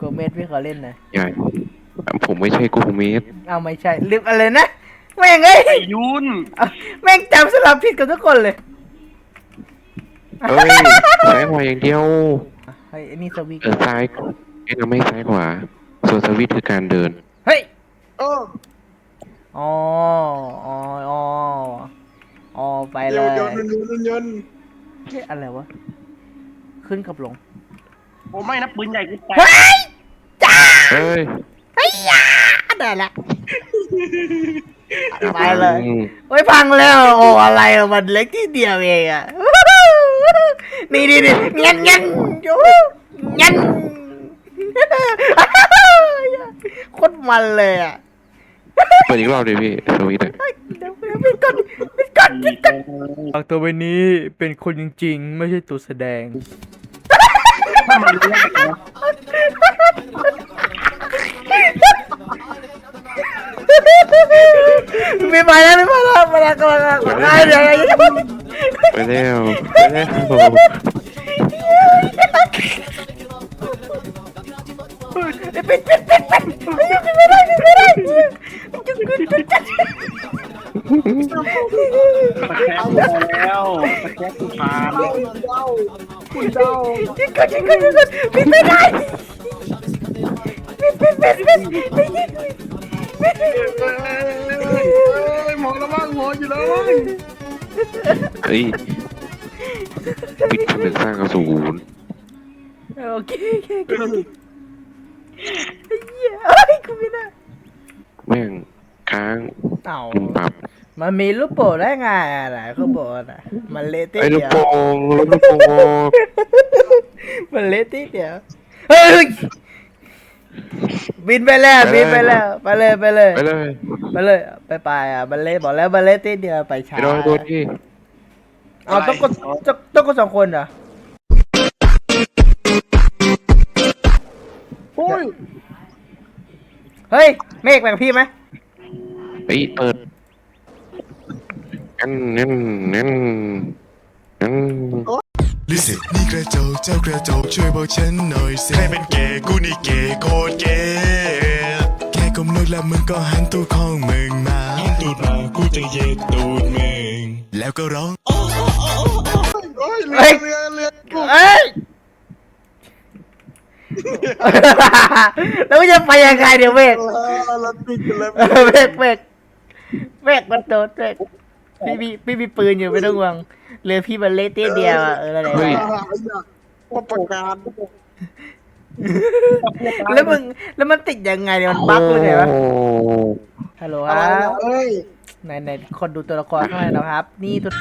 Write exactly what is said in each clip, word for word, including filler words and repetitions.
เมสพี่ขอเล่นหน่อยอย่าผมไม่ใช่โกเมสเอาไม่ใช่ลืมอะไรนะแม่งเอ้ยไอ้ยุนแม่งจำสลับผิดกับทุกคนเลยเอ้ยซ้ายขวาอย่างเดียวเฮ้ยอันนี้สวิตช์เออซ้ายไอ้เราไม่ซ้ายขวาส่วนสวิตช์คือการเดินเฮ้ยเอออ๋ออ๋ออ๋ออ๋อไปเลเดี๋ยวย เดี๋ยวเดี๋ยวเดี๋ยวเฮ้ยอะไรวะขึ้นกับลงโอ้ไม่นะปืนใหญ่กูแตกเฮ้ยจ้าเฮ้ยเฮ้ยยาได้ละไปเลยอืมโอ้ยพังแล้วโอ้อะไรอะมันเล็กที่เดียวเองอะนี่นี่นี่เงี้ยเงี้ยโอ้เงี้ยโคตรมันเลยอะเปิดอีกรอบดิพี่สวิตช์อะเดี๋ยวปิดก่อนปิดก่อนปิดก่อนฝากตัวไปนี้เป็นคนจริงๆไม่ใช่ตัวแสดงไม่ไปแล้วไม่ไปแล้วไปแล้วก็แล้วไปเดี๋ยวไปแล้วไปแล้วปิดปิดปิดปิดไม่ได้ไม่ได้จุดจุดจุดจุดตะแคงแล้วตะแคงกูผ่านคุณเจ้าจุดจุดจุดจุดจุดปิดไม่ได้ปิดปิดปิดปิดปิดปิดเอ้ยหมอระวังหมออยู่แล้วมั้งเฮ้ยปิดผนึกสร้างกระสุนโอเคโอเคโอเคเฮ้ยเอ้ยกูไม่ได้แม่งค้างเต่าปุ่มปรับมันมีลูกโป่งได้ไงอะไรเขาบอกนะมันเละติดไอ้ลูเดีกยวโป่งลูกโป่งมันเละติดเดียวเฮ้ยบินไปแล้วบินไปแล้วไปเลยไปเลยไปเลยไปเลยไปไปอ่ะมันเละบอกแล้วมันเละติดเดียวไปช้าไปโดนตัวที่เอาต้องกดต้องต้องกดสองคนเหรอโอ้ยเฮ้ยเมฆแบ่งพี่ไหมไปเปิดนั่นนั่นนั่นนั่นลิสินี่กระจกเจ้ากระจกช่วยบอกฉันหน่อยสิใครเป็นเกย์กูนี่เกย์โคตรเกย์แค่ก้มลงแล้วมึงก็หันตูดของมึงมาหันตูดมากูจะเย็ดตูดมึงแล้วก็ร้องโอ้ยเรือเรือเรือกูเอ้ยแล้วจะไปยังไงเดี๋ยวเมฆเราติดกันแล้วเมฆเมฆเมฆมันโดนเมฆพี่มีพี่มีปืนอยู่ไม่ต้องห่วงเรือพี่มันเละติดเดียวอ่ะเอออะไรว่าประกาศแล้วมึงแล้วมันติดยังไงเนี่ยมันบั๊กเลยไงวะโอ้ฮัลโหลคอะไรรับเอ้ยไหนไหนคนดูตัวละครข้างในนะครับ นี่ตัว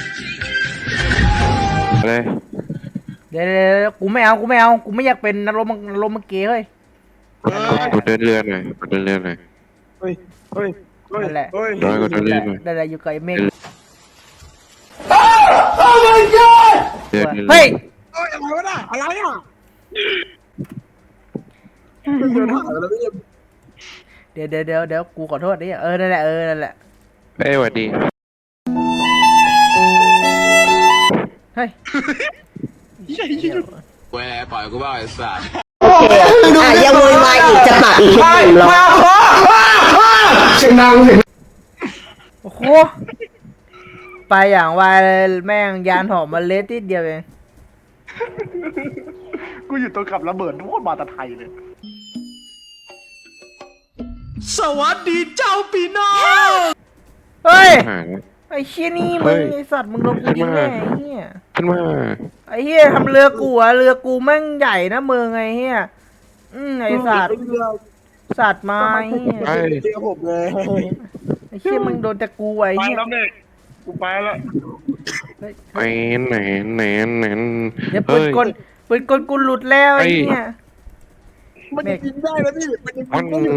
อะไรเดี๋ยวเดี๋ยวเดี๋ยวกูไม่เอากูไม่เอากูไม่อยากเป็นนรกมังนรกมังเกย์เฮ้ยกดเดินเรือหน่อยกดเดินเรือหน่อยเฮ้ยเฮ้ยเฮ้ยนั่นแหละเฮ้ยร้อยกดเดินเรือหน่อยได้ได้อยู่กับไอ้เมฆเดินเรือเฮ้ยเอ้ยอะไรวะน่ะอะไรอ่ะเดินหาแล้วไม่ยังเดี๋ยวเดี๋ยวเดี๋ยวเดี๋ยวกูขอโทษดิเออนั่นแหละเออนั่นแหละเอ้ยสวัสดีเฮ้ยเว้ยปล่อยกูบ้าไอ้สัสอ่ะยังโวยวายอีกจะปากอีกทีหนึ่งหรอโอ้โหไปอย่างไวเลยแม่งยานหอมมาเละติดเดียวเองกูอยู่ตัวกับระเบิดโคตรมาตะไทยเลยสวัสดีเจ้าปีน้องเฮ้ยหายแล้วไอ้เชี่ยนี่เฮ้มึงยไอ้สัตว์มึงโดนกูยิงแน่ไอ้เหี้ยขึ้นมาไอ้เหี้ยทำเรือกูอะเรือกูแม่งใหญ่นะมึงไอ้เหี้ยอืมไอ้สัตว์สัตว์มาไอ้เหี้ยไปเจอผมเลยไอ้เชี่ยมึงโดนแต่กูไอ้ไปเหี้ยแล้วเนี่ยกูไปแล้วไปไหนไหนไหนเดี๋ยวปืนกลปืนกลกูหลุดแล้วไอ้เหี้ยมันจะกินได้นะพี่มันจะกิมัน นได้อยู่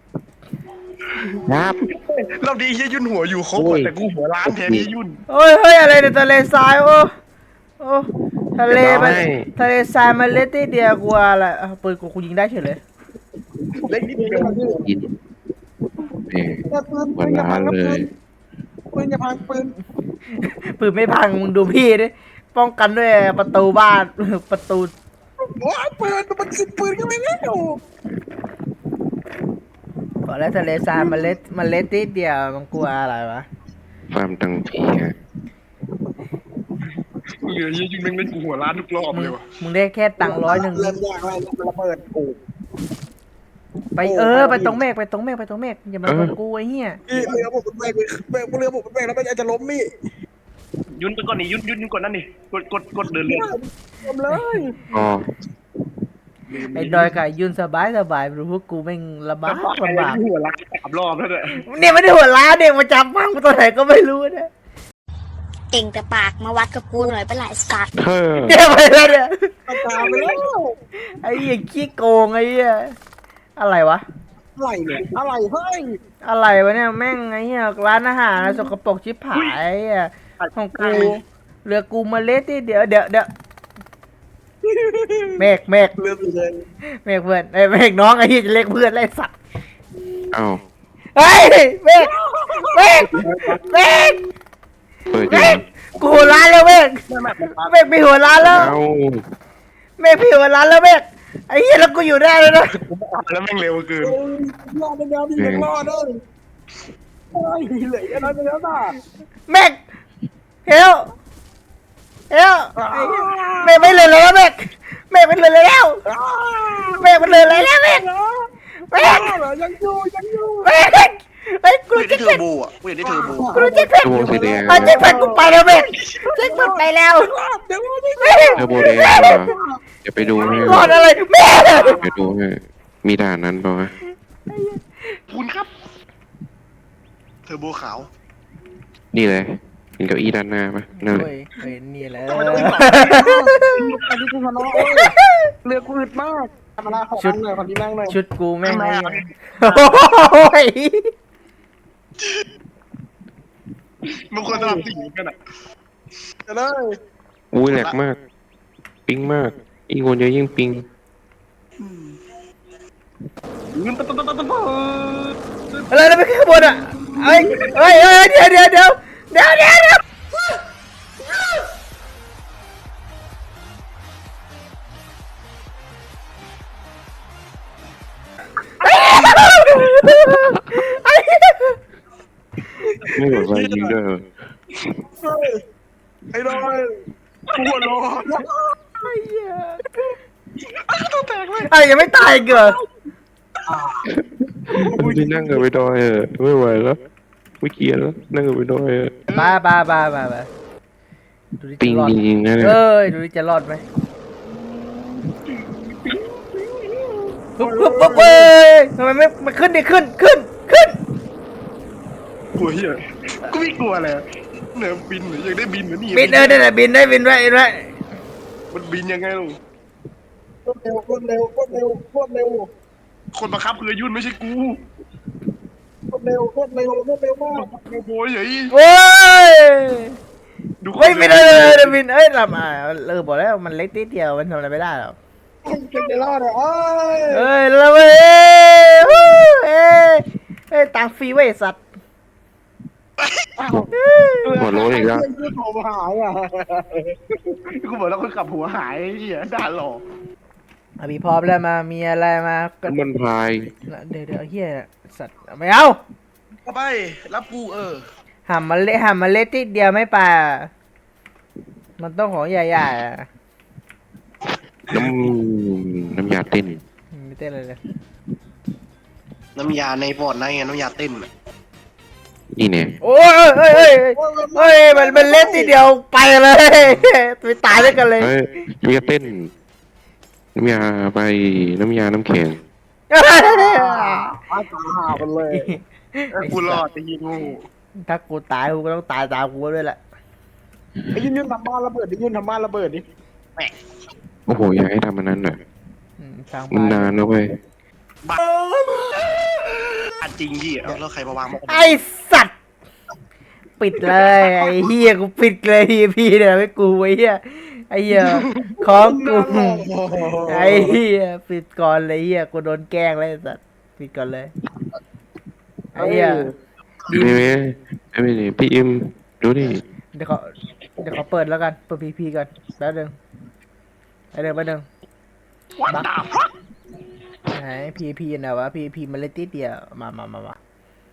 ยับเราดีเฮียยุ่นหัวอยู่ครบแต่กูหัวล้านแทนที่ยุ่นโอ้ยเฮ้ยอะไรในทะเลทรายโอ้โอ้ทะเลมันทะเลทรายมันเละติดเดียวกูอะไรอ่ะปืนกูกูยิงได้เฉยเลยเล็กนิดเดียวยินเอ้ยปืนหัวล้านเลยปืนอย่าพังปืนปืนไม่พังมึงดูพี่ดิป้องกันด้วยประตูบ้านประตูว้าปืนมันขึ้นปืนก็ไม่แล้วพอแล้วทะเลทรายมันเล็ดมันเล็ดนิดเดียวมันกลัวอะไรวะฟาร์มตังผีฮะเหลือยี่ยุ่งแม่งเล่นกูหัวล้านทุกรอบมึงเลยวะมึงได้แค่ตังค์ร้อยหนึ่งเริ่มยากแล้วระเบิดโอ้ไปเออไปตรงเมฆไปตรงเมฆไปตรงเมฆอย่ามาคนกูไอ้เหี้ยพี่เรือผมเป็นแบกแบกเรือผมเป็นแบกแล้วมันจะล้มมี่ยุนไปก่อนนี่ยุนยุนยุนก่อนนั่นนี่กดกดกดเดินเรือล้มเลยอ๋อไอ้ดอยกับยุ่นสบายสบายรู้พวกกูแม่งลำบากลำบากหัวล้านสามรอบแล้วเนี่ยเนี่ยไม่ได้หัวล้านเนี่ยมาจับฟังกูตัวไหนก็ไม่รู้นะเก่งแต่ปากมาวัดกับกูหน่อยเป็นไรสัตว์เฮ้อเนี่ยไปแล้วเนี่ยตามไปแล้วไอ้เหี้ยขี้โกงไอ้เหี้ยอะไรวะอะไรเนี่ยอะไรเฮ้ยอะไรวะเนี่ยแม่งไอ้เหี้ยร้านอาหารนะสกปรกชิบหายไอ้เหี้ยของกูเรือกูมาเล็ดที่เดี๋ยวเดี๋ยวเดี๋ยวเมฆเมฆเรือสีแดงเมฆเพื่อนไอ้ยเมฆน้องไอ้เหี้ยจะเรียกเพื่อนไอ้สัตว์เอ้าเฮ้ยเมฆเมฆเมฆเปิดอเมยู่ฆกูหัวร้านแล้วเมฆเมฆมีหัวร้านแล้วเอ้าเมฆมีหัวร้านแล้วเมฆไอ้เหี้ยแล้วกูอยู่ได้เลยนะแล้วแม่งเร็วเกินรอดแล้วพี่ยังรอดเลยไอ้เหลืออะไรไปแล้วน่ะเมฆเฮลเฮลเมฆไม่เหลือเลยแล้วเมฆเมฆไม่เหลือเลยแล้วเมฆไม่เหลือเลยแล้วเมฆเมฆยังอยู่ยังอยู่เมฆไอ้ยกูกูอยากจะได้เทอเจ็บร์โบอ่ะกูอยากได้เทอร์โบกูจะเจ็บตัวสีแดงเอาเจ็บกูไปแล้วเมฆเจ็บไปแล้วเดี๋ยวนี่เมฆเทอร์โบแดงเหรอเดี๋ยวไปดูให้รอดอะไรเมฆไปดูให้มีด่านนั้นป่าวะคุณครับ เทอร์โบขาวนี่เลยเห็นเก้าอี้ด้านหน้าปะนั่นแหละเฮ้ยเฮ้ยนี่แหละทำไมต้องวิ่งต่ออันนี้คือพนอเรือกูอึดมากธรรมดาของเลยคนที่นั่งเลยชุดกูแม่งทำไมไอ้อ่ะโอ้ยมันควรสลับสีกันอ่ะจะเลยอุ้ยแหลกมาก ปิงมากยิ่งคนเยอะยิ่งปิงเงินตะตะตะตะตะอะไรนะไปขึ้นข้างบนอ่ะเฮ้ยเฮ้ยเฮ้ยเดี๋ยวเดี๋ยวเดี๋ยวเดี๋ยวเดี๋ยวเดี๋ยวไอ้เหี้ยไม่หมดไฟยิงด้วยเหรอไอ้ดอยกูหัวร้อนไอ้เหี้ยตัวแตกเลยไอ้ยังไม่ตายอีกเหรอไปนั่งกับไปดอยเออไม่ไหวแล้วไม่เกียร์แล้วนั่งกับไปดอยเออบ้าบ้าบ้าบ้าบ้าดูดิปิจะงรอดจริงๆนะเนี่ยเอ้ยดูดิจะรอดไหมปุ๊บปุ๊บปุ๊บเอ้ยทำไมไม่ไม่ขึ้นดิขึ้นขึ้นขึ้นกลัวเหี้ยกูไม่กลัวเลยเหนือบินหรือยังได้บินเหมือนนี่บินเออได้บินได้บินไว้บินไว้มันบินยังไงลูกเร็วคนเร็วคนเร็วคนเร็วคนบังคับคือยุ่นไม่ใช่กูคนเร็วคนเร็วคนเร็วมากโอ้โหเฮ้ยโอ้ยดูไม่บินเลยเลยบินเอ้ยทำอ่ะเออบอกแล้วมันเล็กนิดเดียวมันทำอะไรไม่ได้หรอกเป็นจะรอดอ่ะเอ้ยเอ้ยแล้วเว้ยเอ้ยเอ้ยเอ้ยตังค์ฟรีเว้ยสัตว์หัวโล้นอีกแล้วเพื่อนผมหายอ่ะกูบอกแล้วคนขับหัวหายไอ้เหี้ยด่าหลอกอ่ะพี่พร้อมแล้วมามีอะไรมาก็น้ำมันพายเดี๋ยวเดี๋ยวเฮียสัตว์ไม่เอาเข้าไปรับกูเออหำมันเละหำมันเล็กนิดเดียวไม่ป่ามันต้องของใหญ่ๆอ่ะน้ำน้ำยาเต้นไม่เต้นเลยเลยน้ำยาในปอดในไงน้ำยาเต้นนี่เนี่ยโอ้ยเอ้ยเอ้ยเอ้ยเอ้ยมันมันเล็กนิดเดียวไปเลยไปตายด้วยกันเลยเฮ้ยน้ำยาเต้น น้ำยาไปน้ำยาน้ำแข็งอาตาหาไปเลยกูรอดไอ้ยิงงูถ้ากูตายกูก็ต้องตายตามกูด้วยแหละไอ้ยืนยืนทำบ้านระเบิดดิยืนทำบ้านระเบิดดิโอ้โหอยากให้ทำอันนั้นน่ะอืมทางมันบ้านนานนะเว้ยอันจริงยี่เอาแล้วใครมาวางมาไอสัตว์ปิดเลยไอ้เฮียกูปิดเลยทีพีเนี่ยไม่กูไอ้เฮียไอ้เฮียของกูไอ้เฮียปิดก่อนเลยเฮียกูโดนแกล้งเลยไอ้สัตว์ปิดก่อนเลยไอ้เฮียไม่ไม่ไม่ไม่พี่อิมดูดิเดี๋ยวเขาเดี๋ยวเขาเปิดแล้วกันเปิดพีพีก่อนแป๊บนึงแป๊บนึงแป๊บนึง What the fuck ไหนพีพีนะวะพีพีมันเล่นติดเดียวมามามามา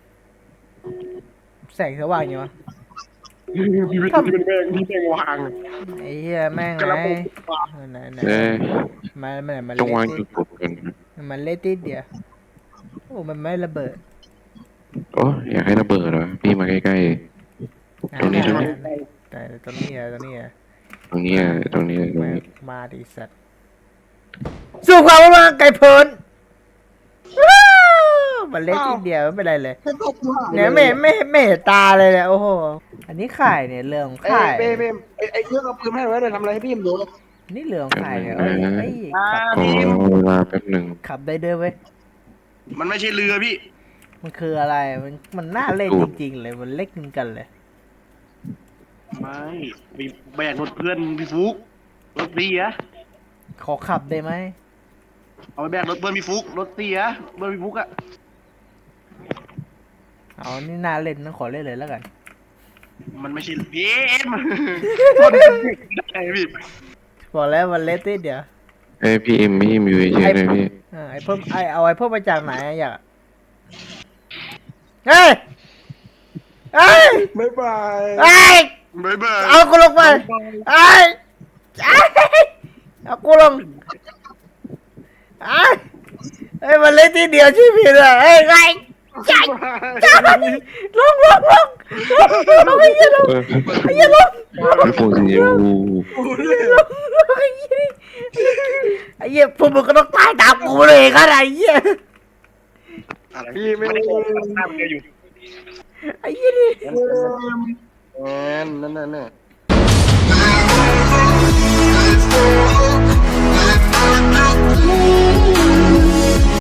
แสงสว่างยังวะพี่เป็นพี่เป็นแม่งพี่แม่งวางไอ้เหี้ยแม่งกไหนระปุกวางไหนไหนเอ้ยมันมันมันต้องวางเล่นจุติดกดกันนะดมันเล่นติดเดียวโอ้มันไม่ระเบิดโอ้อยากให้ระเบิดเหรอพี่มาใกล้ๆ ตรงนี้ตรงนี้แต่ตรงนี้อะตรงนี้อะตรงนี้อ่ะตรงนี้ตรงมานี้มาดิสัตว์สู้ความว่าไก่เพลินว้าวมันเล่นติดเดียวไม่เป็นไรเลยเนี่ยไม่ไม่ไม่เห็นตาเลยเนี่ยโอ้โหอันนี้ไข่เนี่ยเรื่องของไอ้ไข่เบมเบมไอ้ไอ้เครื่องเอาปืนให้ไว้เลยทำอะไรให้พี่มดูเลยนี่เรื่องของไข่เนี่ยเอ้ยเอ้ยขับขอเวลาแป๊บหนึ่งขับได้เด้อเว้ยมันไม่ใช่เรือพี่มันคืออะไรมันมันน่าเล่นจริงๆเลยมันเล็กเหมือนกันเลยไม่มีแบกรถเพื่อนพี่ฟุกรถเสียขอขับได้ไหมเอาไปแบกรถเพื่อนพี่ฟุกรถเสียเพื่อนพี่ฟุกอะเอานี่น่าเล่นต้องขอเล่นเลยแล้วกันมันไม่ใช่พี่มันคนได้พี่บอกแล้วมันเล่นติดเดียวเอ้ยพี่เอ็มพี่เอ็มอยู่เฉยๆเลยพี่เออไอ้เพิ่มไอ้เอาไอ้เพิ่มมาจากไหนอะอยากเฮ้ยเฮ้ยบ๊ายบายเฮ้ยบ๊ายบายเอากูลงไปเฮ้ยเฮ้ยเอากูลงเฮ้ยเฮ้ยมันเล่นทีเดียวชีวิตอะเฮ้ยไงใช่ใช่ลงลงลงลงลงไอ้เหี้ยลงเออไอ้เหี้ยลงลงพี่โฟสีชมพูลงลงไอ้เหี้ยไอ้เหี้ยพวกมึงก็ต้องตายตามกูเลยกันไอ้เหี้ยพี่ไม่ได้ทำเลยอยู่ไอ้เหี้ยนี่แอนนั่นนั่นน่ะ